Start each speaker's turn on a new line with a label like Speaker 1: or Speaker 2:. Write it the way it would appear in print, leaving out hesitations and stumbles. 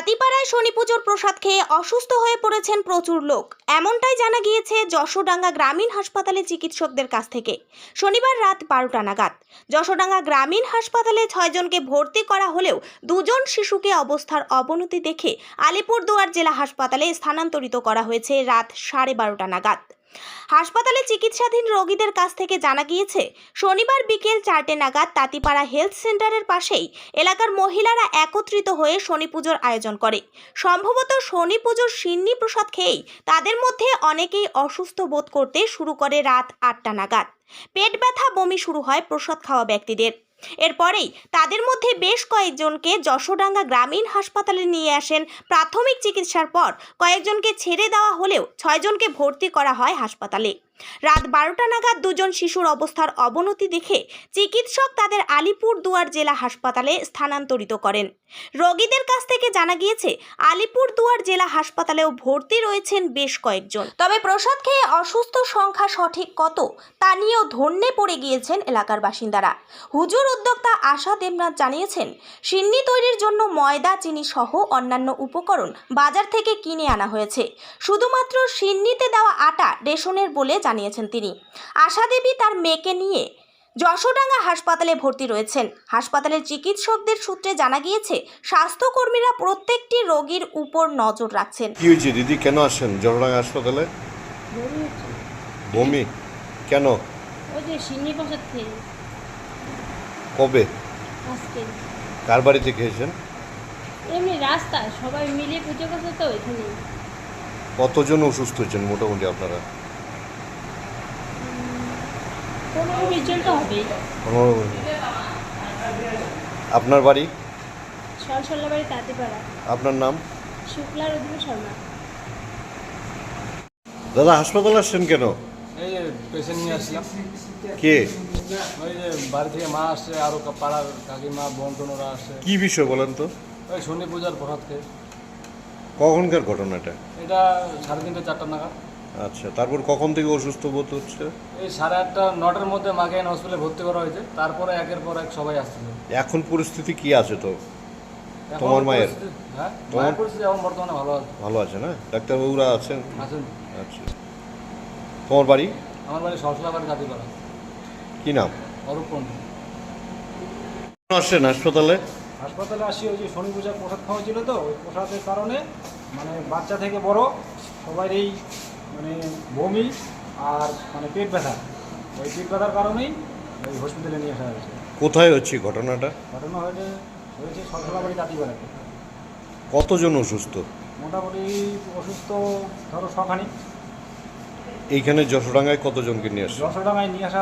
Speaker 1: তাঁতিপাড়ায় শনি পুজোর প্রসাদ খেয়ে অসুস্থ হয়ে পড়েছেন প্রচুর লোক। এমনটাই জানা গিয়েছে যশোডাঙ্গা গ্রামীণ হাসপাতালে চিকিৎসকদের কাছ থেকে। শনিবার রাত 12টা নাগাদ যশোডাঙ্গা গ্রামীণ হাসপাতালে 6 জনকে ভর্তি করা হলেও 2 জন শিশুকে অবস্থার অবনতি দেখে আলিপুরদুয়ার জেলা হাসপাতালে স্থানান্তরিত করা হয়েছে রাত 12:30টা নাগাদ। হাসপাতালে চিকিৎসাধীন রোগীদের কাছ থেকে জানা গিয়েছে, শনিবার বিকেল 4টে নাগাদ তাঁতিপাড়া হেলথ সেন্টারের পাশেই এলাকার মহিলারা একত্রিত হয়ে শনি পুজোর আয়োজন করে। সম্ভবত শনি পুজোর সিন্নি প্রসাদ খেয়েই তাদের মধ্যে অনেকেই অসুস্থ বোধ করতে শুরু করে। রাত 8টা নাগাদ পেট ব্যথা, বমি শুরু হয় প্রসাদ খাওয়া ব্যক্তিদের। এরপরেই তাদের মধ্যে বেশ কয়েকজনকে যশোডাঙ্গা গ্রামীণ হাসপাতালে নিয়ে আসেন। প্রাথমিক চিকিৎসার পর কয়েকজনকে ছেড়ে দেওয়া হলেও 6 জনকে ভর্তি করা হয় হাসপাতালে। রাত 12টা নাগাদ 2 জন শিশুর অবস্থার অবনতি দেখে চিকিৎসক তাদের আলিপুরদুয়ার জেলা হাসপাতালে স্থানান্তরিত করেন। রোগীদের কাছ থেকে জানা গিয়েছে, আলিপুরদুয়ার জেলা হাসপাতালেও ভর্তি রয়েছেন বেশ কয়েকজন। তবে প্রসাদ খেয়ে অসুস্থ সংখ্যা সঠিক কত তা নিয়েও ধন্যে পড়ে গিয়েছেন এলাকার বাসিন্দারা। হুজুর উদ্যোক্তা আশা দেবনাথ জানিয়েছেন, সিন্নি তৈরির জন্য ময়দা, চিনি সহ অন্যান্য উপকরণ বাজার থেকে কিনে আনা হয়েছে। শুধুমাত্র সিন্নিতে দেওয়া আটা রেশনের বলে জানিয়েছেন তিনি। আশা দেবী তার মেয়েকে নিয়ে যশোডাঙ্গা হাসপাতালে ভর্তি রয়েছেন। হাসপাতালের চিকিৎসকদের সূত্রে জানা গিয়েছে, স্বাস্থ্যকর্মীরা প্রত্যেকটি রোগীর উপর নজর রাখছেন।
Speaker 2: কি হয়েছে দিদি, কেন আসেন যশোডাঙ্গা হাসপাতালে? বমি কেন?
Speaker 3: ওই যে সিন্নি প্রসাদ খেয়ে।
Speaker 2: কবে?
Speaker 3: আজকে।
Speaker 2: কার বাড়িতে খেয়েছেন?
Speaker 3: এমনি রাস্তায় সবাই মিলে পুজো করছে তো এখানে।
Speaker 2: কতজন অসুস্থ হয়েছেন মোটামুটি আপনারা?
Speaker 3: 15-20 জন তো হবেই।
Speaker 2: আপনার বাড়ি?
Speaker 3: সরসল্লা বাড়ি তাঁতিপাড়া।
Speaker 2: আপনার নাম?
Speaker 3: শুক্লা রুদ্র শর্মা।
Speaker 2: দাদা হাসপাতালে আসছেন কেন?
Speaker 4: এই যে পেশেন্ট নিয়ে আসলাম।
Speaker 2: কে?
Speaker 4: ওই যে বাড়ি থেকে মা আসছে, আরও পাড়ার কাকিমা, বোন টোনরা আসছে।
Speaker 2: কি বিষয় বলেন তো?
Speaker 4: ওই শনি পূজার প্রসাদ খেয়ে।
Speaker 2: কখনকার ঘটনাটা?
Speaker 4: এটা 3:30 4টা নাগাদ।
Speaker 2: আচ্ছা, তারপর কখন থেকে অসুস্থ বোধ হচ্ছে?
Speaker 4: এই 8:30 9টার মধ্যে মাকে এনে হসপিটালে ভর্তি করা হয়েছে। তারপরে একের পর এক সবাই আসছিল।
Speaker 2: এখন পরিস্থিতি কি আছে তো?
Speaker 4: এখন
Speaker 2: তোমার মায়ের?
Speaker 4: হ্যাঁ,
Speaker 2: তোমার?
Speaker 4: মায়ের পরিস্থিতি এখন বর্তমানে ভালো আছে।
Speaker 2: ভালো আছে না? ডাক্তারবাবুরা আছেন?
Speaker 4: আছেন।
Speaker 2: আচ্ছা, তোমার বাড়ি?
Speaker 4: আমার বাড়ি সরসল্লা বাড়ি তাঁতিপাড়া।
Speaker 2: কি নাম?
Speaker 4: অরূপ পণ্ডিত।
Speaker 2: কেন আসছেন হাসপাতালে?
Speaker 5: হাসপাতালে আসি ওই যে শনি পূজার প্রসাদ খাওয়া ছিল তো, ওই প্রসাদের কারণে মানে বাচ্চা থেকে বড় সবারই মানে বমি আর মানে পেট ব্যথা। ওই পেট ব্যথার কারণেই ওই হসপিটালে নিয়ে আসা হয়েছে।
Speaker 2: কোথায় হচ্ছে ঘটনাটা?
Speaker 5: ঘটনা হয়েছে সরসলা বাড়ি তাঁতিপাড়াতে।
Speaker 2: কতজন অসুস্থ?
Speaker 5: মোটামুটি অসুস্থ ধরো 6খানি।
Speaker 2: এইখানে যশোডাঙ্গায় কতজনকে নিয়ে আসছে?
Speaker 5: 10 টাকায় নিয়ে আসা